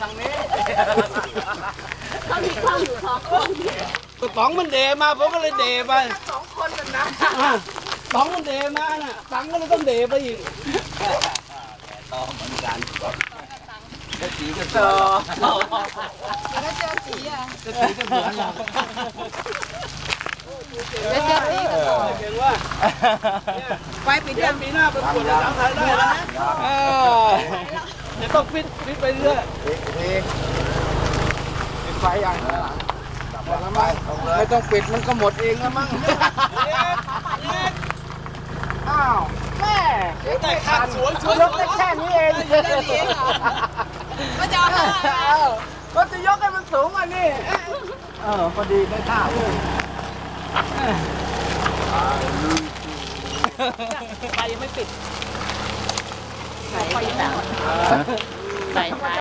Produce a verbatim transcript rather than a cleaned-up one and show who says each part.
Speaker 1: ทางนี้
Speaker 2: เขามีข้าวอยู่สองคน
Speaker 3: ก็ต๋องมันเดมาผมก็เลยเดไป
Speaker 2: สองคนกันนะ
Speaker 3: อ่ะต๋องมันเดมาน่ะตังก็เลยต้องเดไปอีก
Speaker 1: ต่อเหมือนกันก็สีก็เจอ
Speaker 2: แล้วเจอสีอ่ะ
Speaker 3: จะถือกันเหมือนเรา
Speaker 2: แล้วเจอสีก็ต่อ
Speaker 3: เก่งว่า
Speaker 2: ไปปี
Speaker 3: เดี๋
Speaker 2: เดี
Speaker 3: ย
Speaker 2: ยว ว
Speaker 3: ปีหน้าประกวดสาวไทยได้แล้วนะเออเดี๋ยวต้องฟิตฟิตไปเรื่อย
Speaker 1: ปิดไฟยังไม่ต้องปิดมันก็หมดเองแล้วมั้งอ้าวแม่แต่ขาดสวยสวยยกได้แค่นี้เอง
Speaker 2: ก็จะเอา
Speaker 1: ก็จะยกให้มันสูงอ่ะนี่เออพอดีได้ท่า
Speaker 2: ไฟยังไม่ปิดไฟยังไม่ปิดใส่